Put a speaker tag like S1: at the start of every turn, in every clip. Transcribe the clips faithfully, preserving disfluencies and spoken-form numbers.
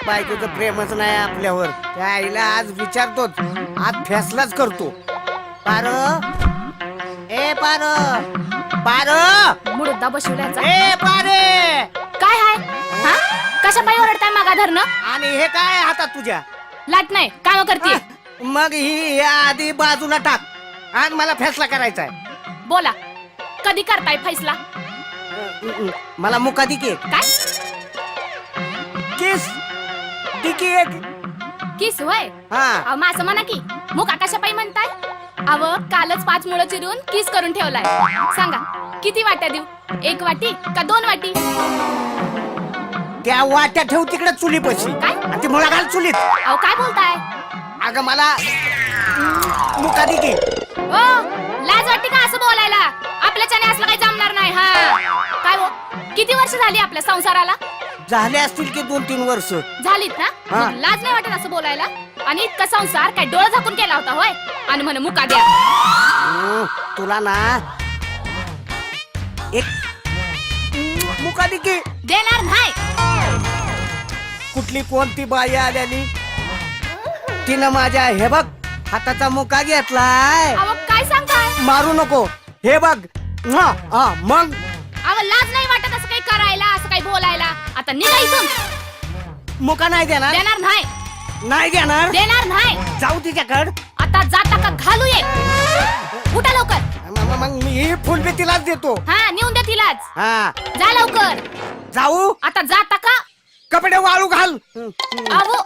S1: बायकोचं प्रेमच नाही आपल्यावर. त्या आईला आज विचारतोच, आज फैसलाच करतो. पार ए पार पार
S2: मुडदा बसवल्याचा.
S1: ए पारे
S2: काय हाय हा? कशा पायी ओरडताय मागा धरणं?
S1: आणि हे काय हातात तुझ्या?
S2: लाट नाही काम करते.
S1: मग ही या आधी बाजूला टाक. आज मला फैसला करायचा आहे.
S2: बोला कधी करताय फैसला?
S1: मला मुका दिकी एक.
S2: काय
S1: किस दिकी एक.
S2: किस होय?
S1: हा
S2: अहो मग असं म्हणा की मुका कशा पायी म्हणताय? अव कालच पाच मुळं चिरून किस करून ठेवलाय. सांगा किती वाट्या देऊ? एक वाटी का दोन वाटी?
S1: त्या वाट्या ठेव तिकडे चुली पशी.
S2: काय?
S1: आणि ती मुळा घाल चुलीत.
S2: अहो काय बोलताय?
S1: अगं मला मुका दिकी.
S2: ओ लाज वाटते का असं बोलायला? आपल्याच्याने असलं काही जमणार नाही. हा काय हो किती वर्ष झाली आपल्या संसाराला?
S1: झाले असतील की दोन तीन वर्ष
S2: झालीत ना?
S1: हा.
S2: मग लाज नाही वाटत असं बोलायला? आणि इतका संसार काय डोळं झाकून केला होता होय? आणि म्हणे मुका द्या.
S1: हम्म, तुला ना एक मुका दिकी.
S2: देणार नाही.
S1: कुठली कोणती बाई आल्याली तिनं माझ्या हे बघ हाताचा मुका घेतलाय.
S2: अहो काय सांगताय?
S1: मारू नको. हे बघ हा, हा, मग
S2: अहो लाज नाही वाटत असं काही करायला, असं काही बोलायला? आता निघा इथून.
S1: मुका नाही देणार.
S2: देणार नाही.
S1: नाही देणार.
S2: देणार नाही.
S1: जाऊ तिच्याकड.
S2: आता जाता का घालू ये. उठा लवकर.
S1: मग मग मी ही फुलबी तिलाच देतो.
S2: हा नेऊन द्या तिलाच.
S1: हा
S2: जा लवकर.
S1: जाऊ.
S2: आता जाता का?
S1: कपडे वाळू घाल.
S2: अहो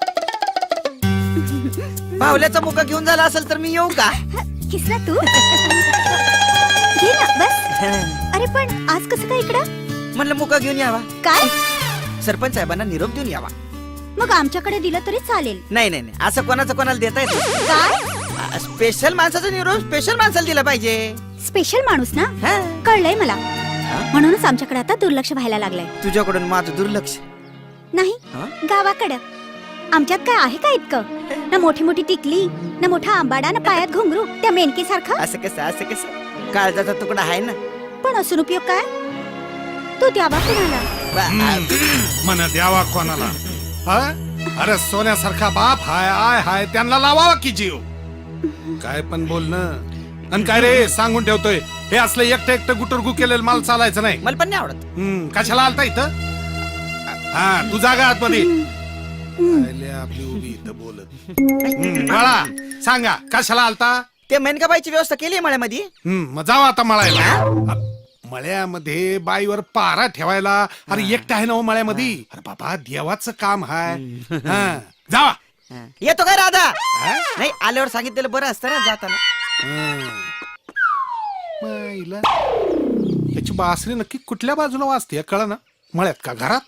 S3: बावल्याचा मुका घेऊन झाला असेल तर मी येऊ का?
S4: किसना तू घे ना बस. अरे पण आज कसं काय इकडं?
S3: म्हणलं मुका घेऊन यावा,
S4: काय?
S3: सरपंच साहेबांना निरोप देऊन यावा.
S4: मग आमच्याकडे दिलं तरी चालेल.
S3: नाही नाही नाही, असं कोणाचं कोणाला देता येत?
S4: काय?
S3: स्पेशल माणसाचा निरोप स्पेशल माणसाला दिला पाहिजे.
S4: स्पेशल माणूस ना?
S3: हा?
S4: कळलंय मला. म्हणूनच आमच्याकडे आता दुर्लक्ष व्हायला लागलंय.
S3: तुझ्याकडून माझं दुर्लक्ष
S4: नाही
S3: हा?
S4: गावाकडं आमच्यात काय आहे का इतकं? ना मोठी मोठी टिकली, ना मोठा आंबाडा, ना पायात घुंगरू त्या मेनकी सारखं.
S3: असं कसं असं कसं काळजाचा तुकडा आहे ना.
S4: पण असून उपयोग काय? तू द्यावा कुणाला?
S5: मन द्यावा कोणाला? हा? अरे सोन्यासारखा बाप हाय आय हाय त्यांना लावावा की जीव. काय पण बोलणं. आणि काय रे सांगून ठेवतोय, हे असलं एकटं एकटं गुटरगु केलेलं मला चालायचं नाही.
S3: मला पण नाही आवडत.
S5: हम्म, कशाला आलता इथं? हा तू जागा आतमध्ये. आले आपली उभी इथं बोलत. हम्म, बाळा सांगा कशाला आलता?
S3: ते मेनकाबाईची व्यवस्था केली मळ्यामध्ये.
S5: हम्म, मग जावा आता मळायला. मळ्यामध्ये बाईवर पारा ठेवायला. अरे एकटा आहे ना हो मळ्यामध्ये. अरे बाबा देवाचं काम हाय. हा, जावा.
S3: येतो काय राधा?
S5: हा?
S3: नाही आल्यावर सांगितलेलं बरं असतं ना जाताना.
S5: हं. माईला. याची बासरी नक्की कुठल्या बाजूला वाजते कळ ना? मळ्यात का घरात?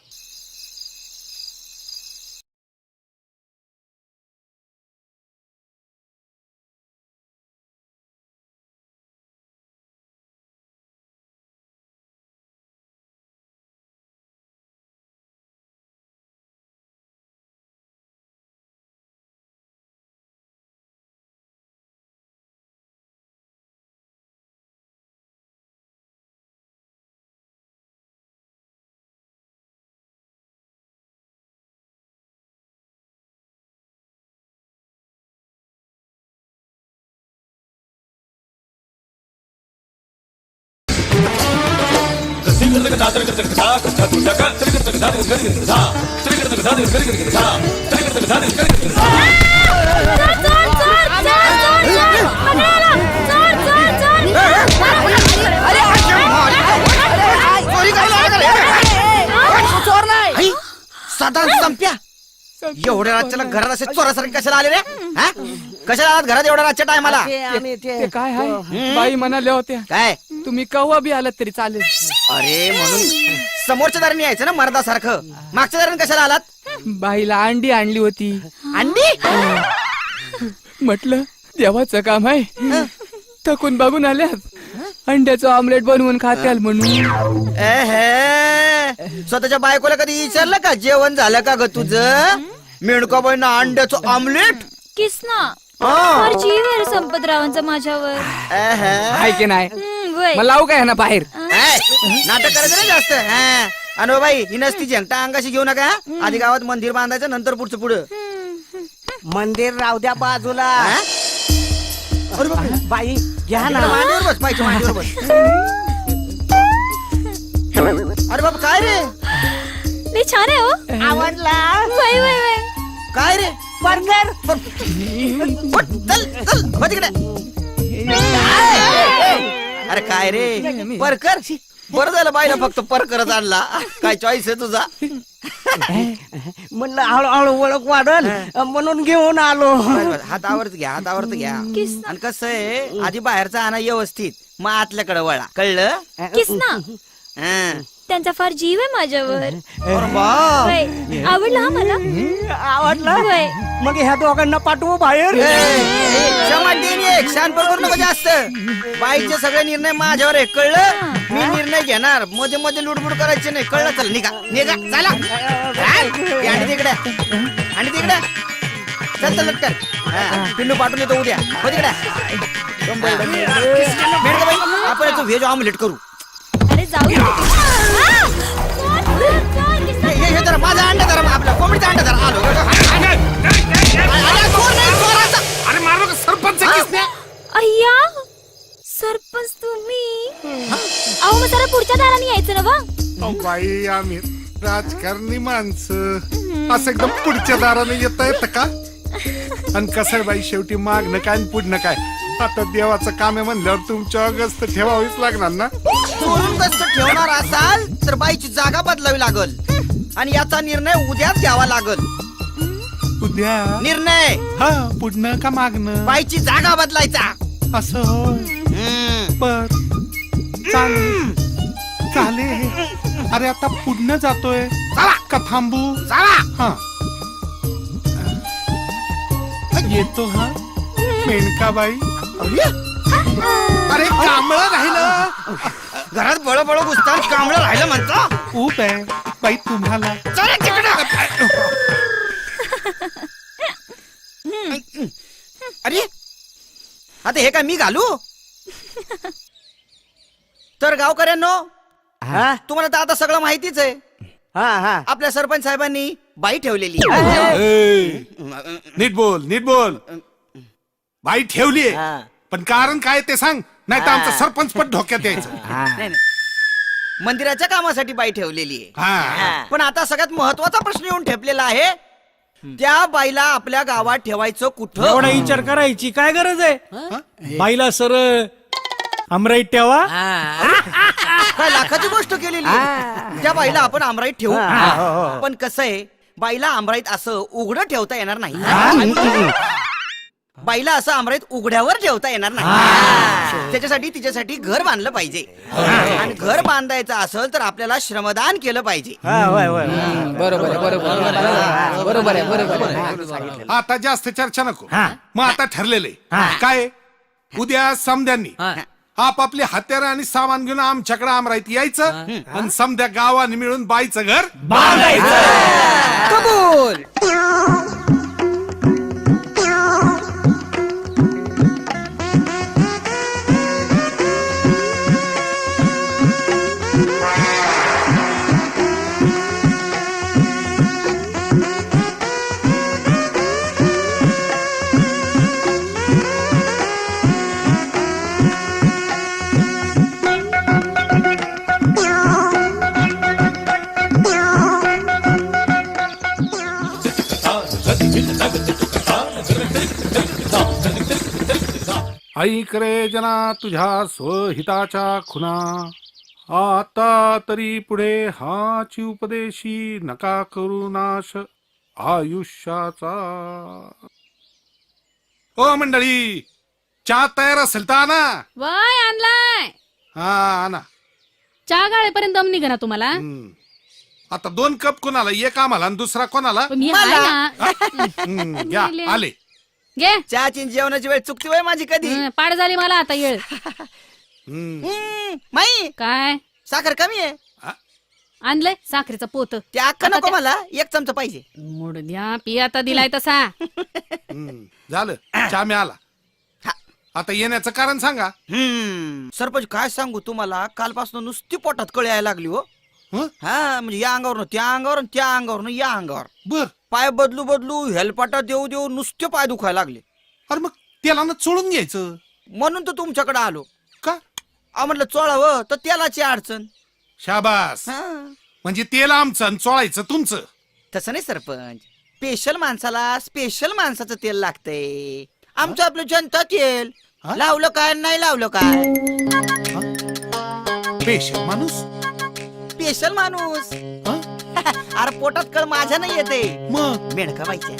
S3: साधारण संप्या एवढ्या रातच्याला घरात असे चोरासारखे कशाला आले रे? हा? कशाला आलात घरात एवढ्या रातच्या टायमाला?
S6: ते काय आहे बाई म्हणाल्या होत्या
S3: काय?
S6: तुम्ही कवा बी आलात तरी चालेल.
S3: अरे म्हणून समोरच्या दाराने यायचं ना मर्दासारखं. मागच्या दाराने कशाला आलात?
S6: बाईला अंडी आणली होती.
S3: अंडी?
S6: म्हटलं देवाचं काम आहे. थकून बघून आल्यात अंड्याचं ऑमलेट बनवून खात्याल म्हणून.
S3: एहे, स्वतःच्या बायकोला कधी विचारलं का जेवण झालं का ग तुझं? मेणका बाईनं अंड्याचं ऑमलेट.
S7: किसना
S3: हा.
S7: जीव आहे संपतरावांचा माझ्यावर.
S3: एहे.
S6: आहे की नाही?
S7: हम्म, वय.
S6: मग लावू काय ना बाहेर?
S3: ए, नाटक करायचं ना जास्त. हा. आणि बाई ही नसती झेंगटा अंगाशी घेऊ नका हा? आधी गावात मंदिर बांधायचं नंतर पुढचं पुढं
S1: मंदिर राहू द्या बाजूला.
S3: हा?
S1: अरे बापरे, बाई घ्या ना.
S3: इकडं मांडीवर बस पाहिजे मांडीवर बस. अरे बाबा काय रे
S4: लई छान आहे हो.
S1: आवडला
S4: वय वय वय.
S3: काय रे
S1: बर्गर.
S3: उठ, चल चल हो तिकडे. अरे काय रे परकर बरं झालं बाईला फक्त परकरच आणला. काय चॉईस आहे तुझा.
S1: म्हणलं हळूहळू ओळख वाढल म्हणून घेऊन आलो.
S3: हातावरच घ्या हातावरच घ्या. आणि कसं आहे आधी बाहेरचा आणा व्यवस्थित मग आतल्याकडे वळा कळलं.
S4: किस ना.
S3: हा.
S4: त्यांचा फार जीव आहे माझ्यावर.
S3: अरे वा.
S4: वय. आवडला हा मला.
S1: आवडला
S4: वय.
S1: मग ह्या दोघांना पाठवू बाहेर.
S3: ए, ए, क्षमा देईन एक शानपण करू नको जास्त. बाईचे सगळे निर्णय माझ्यावर आहे कळलं. मी निर्णय घेणार मध्ये मध्ये लुडबुड करायचे नाही कळलं. चल निघा निघा चला. आणि तिकडे आणि तिकडे चल चल लटकन. हा, पिल्लू पाठवून येतो उद्या हो तिकडे. बेड का बाई आपण याचं व्हेज ऑमलेट करू.
S4: अरे जाऊ दे. आ! सोड, सोड, किस ना.
S3: हे हे जरा माझा अंडा धरा आपला कोंबडीचा अंडा धरा. आलो अरे, चोर नाही, चोराचा.
S5: अरे मारो का सरपंच आहे किसने?
S4: अय्या सरपंच तुम्ही. अहो मग जरा पुढच्या दाराने यायचं ना वा.
S5: अहो, बाई आम्ही राजकारणी माणसं असं एकदम पुढच्या दाराने येता येतं का? आणि कसं आहे बाई शेवटी मागणं काय आणि पुढणं काय. आता देवाचं काम आहे म्हणल्यावर तुमच्या गस्त ठेवावीच लागणार ना.
S3: चोरून गस्त ठेवणार असाल तर बाईची जागा बदलावी लागल आणि याचा निर्णय उद्याच घ्यावा लागल.
S5: उद्या
S3: निर्णय
S5: हा पुढणं का मागणं
S3: बाईची जागा बदलायचा.
S5: असं होय.
S3: हम्म.
S5: बर चालेल चालेल. अरे आता पुढणं जातोय
S3: चला
S5: का थांबू?
S3: चला.
S5: हा येतो हा मेनकाबाई. अरे कांबळ राहिलं.
S3: घरात बळ बळ घुसतात कांबळं राहिलं म्हणतो.
S5: ऊप आहे बाई तुम्हाला.
S3: चला तिकडं. अरे आता हे काय मी घालू? तर गावकऱ्यांनो
S1: हा
S3: तुम्हाला तर आता सगळं माहितीच आहे.
S1: हा हा.
S3: आपल्या सरपंच साहेबांनी बाई ठेवलेली.
S5: ए, नीट बोल नीट बोल. बाई ठेवलीये
S1: हा.
S5: पण कारण काय ते सांग नाही तर आमचं सरपंच पण धोक्यात यायचं.
S3: नाही, नाही. मंदिराच्या कामासाठी बाई ठेवलेली आहे.
S5: हा
S3: पण आता सगळ्यात महत्वाचा प्रश्न येऊन ठेपलेला आहे. त्या बाईला आपल्या गावात ठेवायचं कुठं?
S8: एवढा विचार करायची काय गरज आहे? बाईला सर अमराईत ठेवा.
S3: काय लाखाची गोष्ट केलेली आहे. त्या बाईला आपण आमराईत ठेवू पण कसं आहे बाईला आमराईत असं उघडं ठेवता येणार नाही. बाईला असं आमराईत उघड्यावर ठेवता येणार नाही. त्याच्यासाठी तिच्यासाठी घर बांधलं पाहिजे आणि घर बांधायचं असेल तर आपल्याला श्रमदान केलं पाहिजे.
S6: बरोबर आहे बरोबर आहे. बरोबर आहे बरोबर आहे.
S5: आता जास्त चर्चा नको. मग आता ठरलेले काय उद्या समद्यांनी आपापले हत्यार आणि सामान घेऊन आमच्याकडे आमराईत यायचं आणि समद्या गावाने मिळून बाईचं घर
S3: कबूल.
S5: ऐक रे जना तुझ्या स्वहिताच्या खुना आता तरी पुढे हाची उपदेशी नका करू नाश आयुष्याचा. ओ मंडळी चहा तयार असेल तर आणा.
S9: वाय आणलाय
S5: हा आणा.
S9: चहा गाळेपर्यंत दम निघा ना तुम्हाला.
S5: हम्म. आता दोन कप कोणाला एक आम्हाला आणि दुसरा कोणाला.
S9: मी आहे ना.
S5: हम्म, घ्या आले.
S9: घे
S3: चहाची जेवणाची वेळ चुकती वय माझी कधी.
S9: हं, पाड झाली मला आता येळ.
S5: हम्म.
S3: हम्म, माई
S9: काय
S3: साखर कमी आहे.
S9: आणलंय साखरेचं पोत.
S3: ते अख्खा
S9: आता
S3: नको
S9: ते-
S3: मला एक चमचा पाहिजे.
S9: मोड द्या पी आता दिलाय तसा.
S5: हम्म. झालं चहा मिळाला. आता येण्याचं कारण सांगा.
S3: हम्म सरपंच काय सांगू तुम्हाला कालपासून नुसती पोटात कळ यायला लागली हो.
S5: हं?
S3: हा म्हणजे या अंगावर त्या अंगावर त्या अंगावर या अंगावर
S5: बर
S3: पाय बदलू बदलू हेलपाटा देऊ देऊ नुसते पाय दुखायला लागले.
S5: अरे मग त्याला ना चोळून घ्यायचं
S3: म्हणून तर तुमच्याकडे आलो.
S5: का?
S3: अहो म्हटलं चोळावं तर तेलाची अडचण.
S5: शाबास.
S3: हा.
S5: म्हणजे तेल आमचं आणि चोळायचं तुमचं.
S3: तसं नाही सरपंच, स्पेशल माणसाला स्पेशल माणसाचं तेल लागतंय. आमचं आपलं जनता तेल
S5: हा?
S3: लावलं काय नाही लावलं काय.
S5: पेशल माणूस.
S3: स्पेशल माणूस.
S5: हं?
S3: अरे पोटात कळ माझ्या नाही येते
S5: मग
S3: मेढका बाईच्या.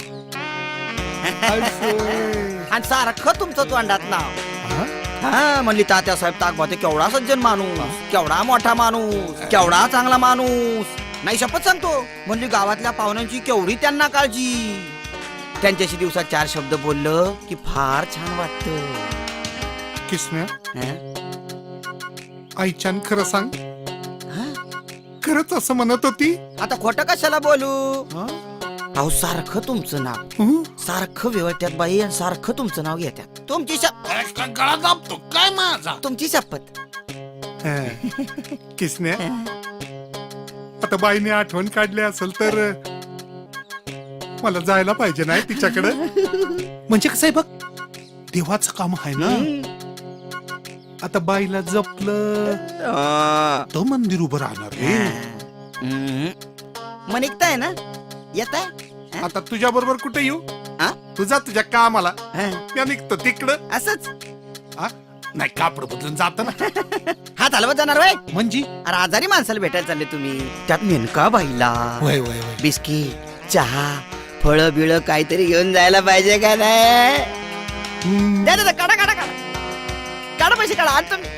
S5: असं.
S3: आणि सारखं तुमचं तोंडात नाव.
S5: हा?
S3: हा म्हणली तात्या साहेब ताकबाते केवढा सज्जन माणूस, केवढा मोठा माणूस, केवढा चांगला माणूस. नाही शपथ सांगतो म्हणली गावातल्या पाहुण्यांची केवढी त्यांना काळजी. त्यांच्याशी दिवसात चार शब्द बोललं की फार छान वाटत.
S5: किसन्या आईच्यान खरं सांग, खरंच असं म्हणत होती?
S3: आता खोटं कशाला बोलू.
S5: हा?
S3: अहो सारखं तुमचं नाव,
S5: हं?
S3: सारखं व्यवत्यात बाई आणि सारखं तुमचं नाव घेत्यात. तुमची शप
S5: अरे, का गळा दाबतो काय माझा?
S3: तुमची शपथ.
S5: हं. किसन्या आता बाईने आठवण काढली असेल तर मला जायला पाहिजे नाही तिच्याकडे. म्हणजे कसं आहे बघ, देवाचं काम आहे ना. आता बाईला जपलं तर मंदिर उभं राहणार रे.
S3: मग निघताय ना, येत आहे
S5: आता तुझ्या बरोबर कुठे येऊ?
S3: हा?
S5: तुझा तुझ्या कामाला मी निघतो तिकडं.
S3: असंच
S5: हा? नाही कापड बदलून जात ना.
S3: हात हलवत जाणार वय.
S5: म्हणजे
S3: अरे आजारी माणसाला भेटायला चालले तुम्ही, त्यात नेमका बाईला
S5: वय वय वय
S3: बिस्किट चहा फळ बिळ काहीतरी घेऊन जायला पाहिजे का नाही. द्या द्या, काढा काढा काढा काढा पैसे काढा आज तुम्ही.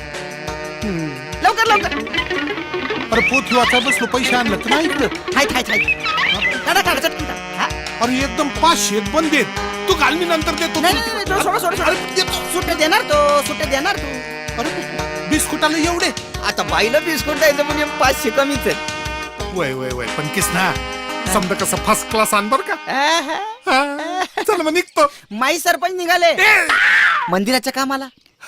S3: लवकर लवकर.
S5: अरे पोथी वाचा बसलो, पैसे आणलं तर नाही इकडं.
S3: हाय हाय हाय काढा काढा चटकन काढा. हा?
S5: अरे एकदम पाचशे पण देत तू घाल, मी नंतर देतो.
S3: नाही नाही, नाही सोडा सोडा सोडा
S5: अरे, देतो.
S3: सुट्टे देणार तो सुट्टे देणार तू.
S5: अरे बिस्कुटाला एवढे?
S3: आता बाईला बिस्कुट द्यायचं म्हणजे पाचशे कमीच आहे.
S5: वय वय वय पण किस ना समजा कसं फर्स्ट क्लास आण बर का.
S3: आहा.
S5: हा. चल मग निघतो.
S3: माई सरपंच निघाले मंदिराच्या कामाला.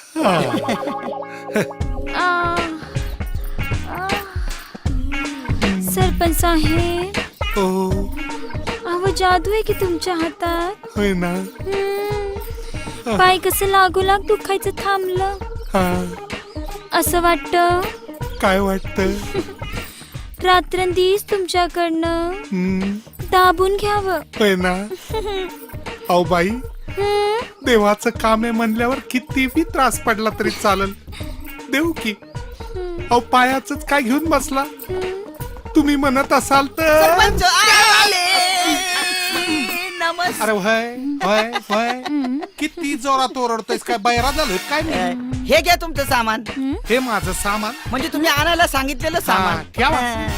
S7: सरपंच साहेब,
S5: हो
S7: अहो जादू आहे की तुमच्या हातात.
S5: होय ना.
S7: हम्म. पाय कसं लागू लाग दुखायचं थांबलं
S5: हा.
S7: असं वाटतं
S5: काय वाटत?
S7: रात्रंदिवस तुमच्याकडनं दाबून घ्यावं.
S5: होय ना. अहो बाई,
S7: हम्म.
S5: देवाचं काम आहे म्हणल्यावर किती बी त्रास पडला तरी चालल, देऊ की. अहो पायाच काय घेऊन बसला. तुम्ही म्हणत असाल तर.
S3: सरपंच आले. नमस्कार.
S5: अरे व्हय व्हय व्हय किती जोरात ओरडतोयस, काय बैरा झालोय काय मी?
S3: हे घ्या तुमचं सामान.
S5: हे माझं सामान
S3: म्हणजे तुम्ही आणायला सांगितलेलं सामान.
S5: ठेवा.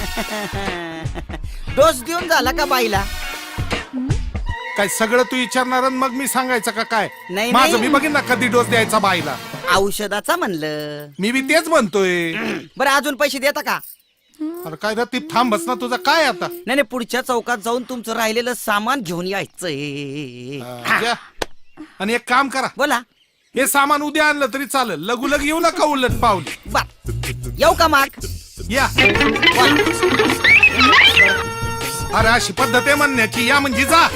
S3: डोस देऊन झाला का बाईला?
S5: काय सगळं तू विचारणार आणि मग मी सांगायचं का काय?
S3: नाही,
S5: माझं
S3: नाही.
S5: मी बघीन ना कधी डोस द्यायचा बाईला.
S3: औषधाचा म्हणलं.
S5: मी बी तेच म्हणतोय.
S3: बरं अजून पैसे देता का?
S5: अरे काय रे, ती थांबस ना तुझं काय आता.
S3: नाही नाही, पुढच्या चौकात जाऊन तुमचं राहिलेलं सामान घेऊन यायचंय.
S5: हा, जा. आणि एक काम करा,
S3: बोला.
S5: हे सामान उद्या आणलं तरी चालेल, लगू लग येऊ नका उलट पावली.
S3: बर येऊ का माग?
S5: या. अरे अशी पद्धत आहे म्हणण्याची, या म्हणजे जा.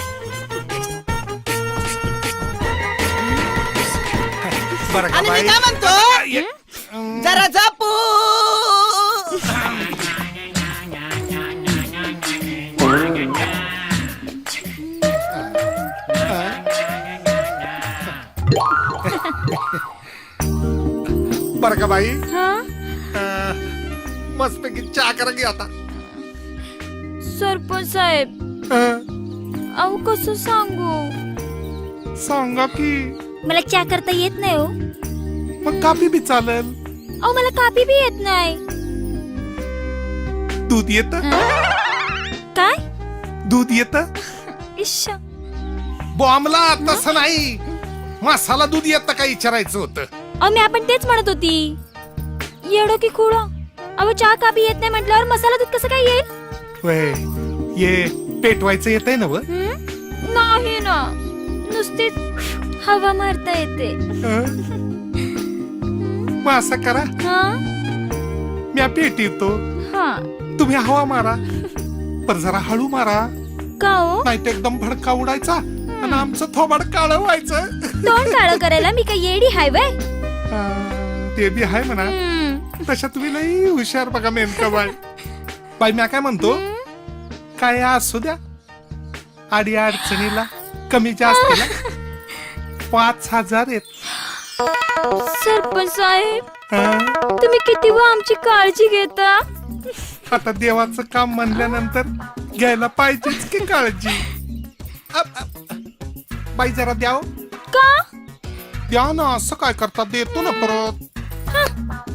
S5: बरं का
S3: आणि मी
S5: बाई?
S3: काय म्हणतो,
S5: ये.
S3: जरा जपू.
S5: बरं का बाई,
S7: हा?
S5: मस्त पैकी चहा करा की आता.
S7: सरपंच साहेब,
S5: अं,
S7: अहो कसं सांगू,
S5: सांगा की.
S7: मला चहा करता येत नाही हो.
S5: मग काफी बी चालेल.
S7: अहो मला कापी बी येत नाही.
S5: दूध येत?
S7: काय?
S5: दूध येत?
S7: इश्श.
S5: बॉम्बला तसं नाही, मसाला दूध येत का विचारायचं होतं.
S7: अहो मी आपण तेच म्हणत होती. येडो की खुळो, अहो चहा कापी येत नाही म्हटल्यावर मसाला दूध कसं काय येईल?
S5: वय ये पेटवायचं येतंय ना व?
S7: हं? नाही ना, नुसतीच हवा मारता येते.
S5: मग असं करा,
S7: हा
S5: मी पेट येतो.
S7: हा
S5: तुम्ही हवा मारा पण जरा हळू मारा,
S7: का हो
S5: नाही तर एकदम भडका उडायचा आणि आमचं थोबाड काळ व्हायचं.
S7: तोंड काळं करायला मी काय येडी हाय वय.
S5: हा, ते बी आहे म्हणा.
S7: हम्म.
S5: तशा तुम्ही लई हुशार बघा नेमका बाय. बाई म्या काय म्हणतो, काय असू द्या, आडी अडचणीला कमी जास्तीला पाच हजार येत.
S7: सरपंच साहेब
S5: हा?
S7: तुम्ही किती व आमची काळजी घेता.
S5: आता देवाचं काम म्हणल्यानंतर घ्यायला पाहिजेच की काळजी. Up, up. बाई जरा द्याव
S7: का
S5: द्या ना, असं काय करता, देतो ना परत.